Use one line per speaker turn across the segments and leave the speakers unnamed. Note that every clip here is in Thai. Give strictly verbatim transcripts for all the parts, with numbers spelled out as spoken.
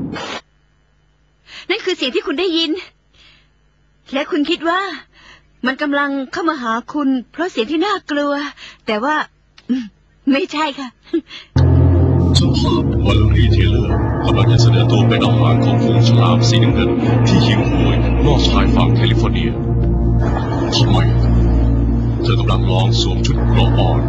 นั่นคือเสียงที่คุณได้ยินและคุณคิดว่ามันกำลังเข้ามาหาคุณเพราะเสียงที่น่ากลัวแต่ว่าไม่ใช่ค่ะ
ช่างภาพวาเลรี่เทเลอร์กำลังจะเสนอตัวเป็นอาหารของฝูงฉลามสีน้ำเงินที่หิวโหยนอกชายฝั่งแคลิฟอร์เนียทำไมเธอกำลังลองสวมชุดเกราะอ่อน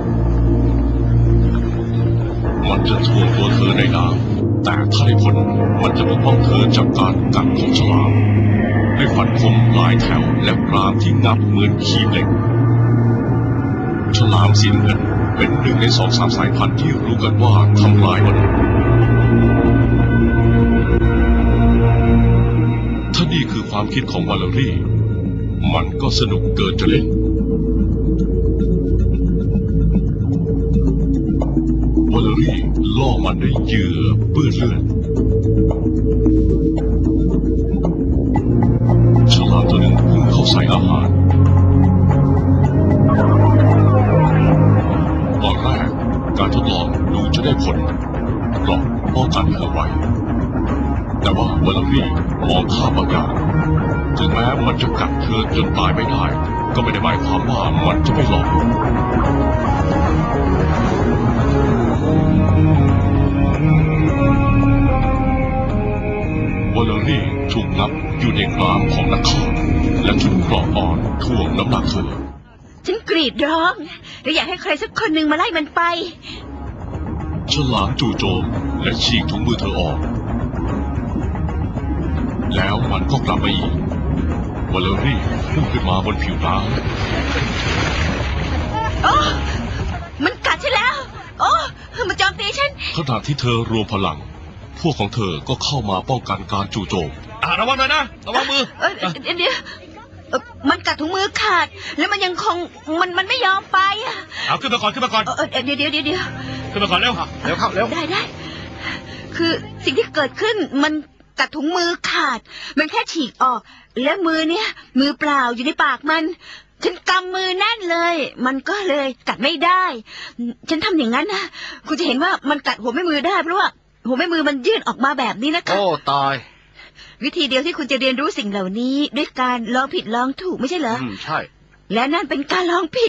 มันจะถ่วงตัวเธอในน้ำแต่ถ้าได้ผลมันจะปกป้องเธอจากการกัดของฉลามด้วยฟันคมหลายแถวและกรามที่งับเหมือนขีบเหล็กฉลามสีน้ำเงินเป็นหนึ่งในสองสามสายพันธุ์ที่รู้กันว่าทำลายมนุษย์ถ้านี่คือความคิดของวาเลรี่มันก็สนุกเกินจะเล่นวาเลรี่ล่อมันด้วยเหยื่อเปื้อนเลือดฉลามตัวหนึ่งพุ่งเข้าใส่อาหารตอนแรกการทดลองดูจะได้ผลเกราะป้องกันเธอไว้แต่ว่าวาเลรี่มองข้ามบางอย่างถึงแม้มันจะกัดเธอจนตายไม่ได้ก็ไม่ได้หมายความว่ามันจะไม่หลอกวาเลรี่ถูกงับอยู่ในกรามของนักฆ่าและชุดเกราะอ่อนถ่วงน้ำหนักเธอ
ฉันกรีดร้องและอยากให้ใครสักคนหนึ่งมาไล่มันไป
ฉลามจู่โจมและฉีกถุงมือเธอออกแล้วมันก็กลับมาอีกวาเลรี่พุ่งขึ้นมาบนผิวน้
ำโอ้มันกัดฉันแล้วโอ้มันโจมตีฉัน
ขณะที่เธอรวมพลังพวกของเธอก็เข้ามาป้องกันการจู่โจม
อ่าระวังหน่อยนะระวังมือ
เดี๋ยวเดี๋ยวมันกัดถุงมือขาดแล้วมันยังคงมันมันไม่ยอมไปอ่ะ
เอาขึ้นมาก่อนขึ้นมาก่อน
เดี๋ยวเดี๋ยวเดี๋ยวเดี๋ยว
ขึ้นมาก่อนเร็วเร็วเข้าเร็ว
ได้ได้คือสิ่งที่เกิดขึ้นมันกัดถุงมือขาดมันแค่ฉีกออกและมือเนี้ยมือเปล่าอยู่ในปากมันฉันกำมือแน่นเลยมันก็เลยกัดไม่ได้ฉันทำอย่างนั้นนะคุณจะเห็นว่ามันกัดหัวแม่มือได้เพราะว่าหัวแม่มือมันยื่นออกมาแบบนี้นะคะ
โอ้ตาย
วิธีเดียวที่คุณจะเรียนรู้สิ่งเหล่านี้ด้วยการลองผิดลองถูกไม่ใช่เหรอ
อืมใช่
และนั่นเป็นการลองผิด